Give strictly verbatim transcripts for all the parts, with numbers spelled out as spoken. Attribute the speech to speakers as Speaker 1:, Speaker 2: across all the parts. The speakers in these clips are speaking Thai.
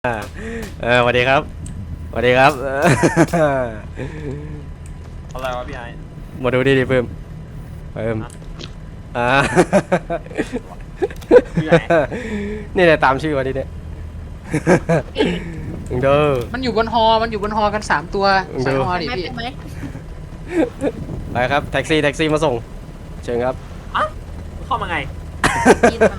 Speaker 1: อ่าเออสวัสดีครับสวัสดีครับเออ
Speaker 2: อะไรวะพี่ไอ้
Speaker 1: มาดูดิดิเพิ่มเพิ่มอ่า
Speaker 2: พี่ไหน
Speaker 1: นี่แหละตามชื่อวันนี้เนี่ยมึงดู
Speaker 3: มันอยู่บนฮอ มันอยู่บนฮอกันสามตัว
Speaker 1: ดู
Speaker 3: ใส่ฮอดิ
Speaker 4: ไม่
Speaker 3: พี่
Speaker 4: เป็นไหม
Speaker 1: ไปครับแท็กซี่แท็กซี่มาส่งเชิญครับ
Speaker 2: อ่ะเข้ามาไง
Speaker 4: กินมา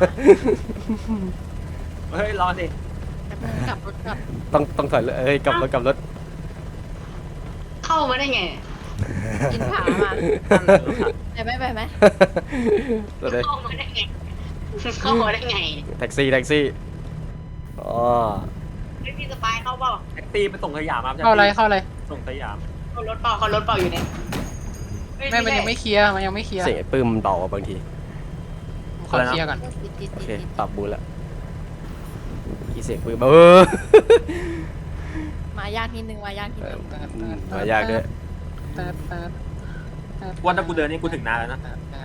Speaker 2: เฮ้ยรอสิ
Speaker 4: แป๊บนึงกลับรถกลับ
Speaker 1: ต้องต้องถอยเลยเอ้ยกลับรถกลับรถ
Speaker 5: เข้ามาได้ไง
Speaker 4: กินผามาไปไหมไปไหม
Speaker 1: ตัวเด็ก
Speaker 5: เข้ามาได้ไง เข้ามาได้ไง
Speaker 1: แท็กซี่แท็กซี่อ๋อ
Speaker 5: ไม่มีสปายเข้าเปล่า
Speaker 2: แท็กซี่ไปส่งสยามครับ
Speaker 3: เข้าอะไร เข้าอะไร
Speaker 2: ส่งสยาม
Speaker 5: เข้ารถเปล่าเข้ารถเปล่าอยู่เนี่ยเฮ้
Speaker 3: แม่มันยังไม่เคลียร์ มันยังไม่เคลียร์
Speaker 1: เสียงไอ้ปื้มมันเบาอะบางที
Speaker 3: ขอเคลียร์ก่อน
Speaker 4: ติดติด
Speaker 1: โอ
Speaker 4: ติด
Speaker 1: เค
Speaker 4: ติด
Speaker 1: ปรับบูทแล้วอีเสียงปื้มเออ
Speaker 4: มายากนิดนึงมายากนิด
Speaker 1: เอ
Speaker 4: นึ
Speaker 1: อง มายากด้วย
Speaker 2: วันถ้ากูเดินนี่กูถึงนานแล้วนะ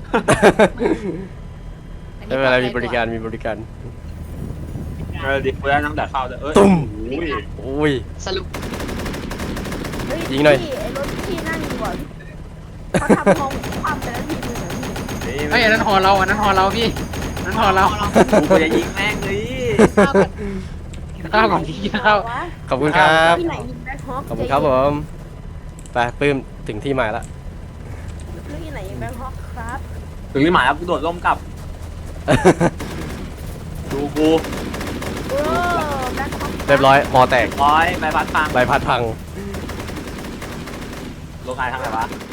Speaker 1: ไม่เป็นไรมีบริการมีบริการ
Speaker 2: เออดิกูได้นั่งแต่เข้าเลยเอ้ย
Speaker 1: ตุ้ม
Speaker 2: อุ้ย
Speaker 1: อุ้ย
Speaker 5: สรุป
Speaker 4: เฮ้
Speaker 1: ยิงหน่อย
Speaker 4: พี่ไอ้รถที่นั่งอยู่ก่อนเขาทำห้องความไปแล้วทีนึงเหรอพี่
Speaker 3: เฮ้ยอันนั้นฮอเรา อันนั้นฮอเราพี่อันนั้นฮอเรา
Speaker 2: กูจะยิงแม่งเลย
Speaker 4: ข้าวกัน
Speaker 3: ข้าวก่อนพี่ข้าว
Speaker 4: วะ
Speaker 1: ขอบคุณครับ
Speaker 4: ที่ไหนยิงแบ็คฮอค
Speaker 1: ขอบคุณครับผมไปปื้มถึงที่หมายละ
Speaker 4: เรื่องที่ไหนยิงแบ็คฮอคครับ
Speaker 2: ถึงที่หมายแล้วกูโดดร่มกลับ ดูกู
Speaker 4: โอ้แบ็คฮอค
Speaker 1: เรียบร้อยหอแตก
Speaker 2: ร้อยใบพัดฟัง
Speaker 1: ใบพัดพัง
Speaker 2: ลงไงทางไหนวะ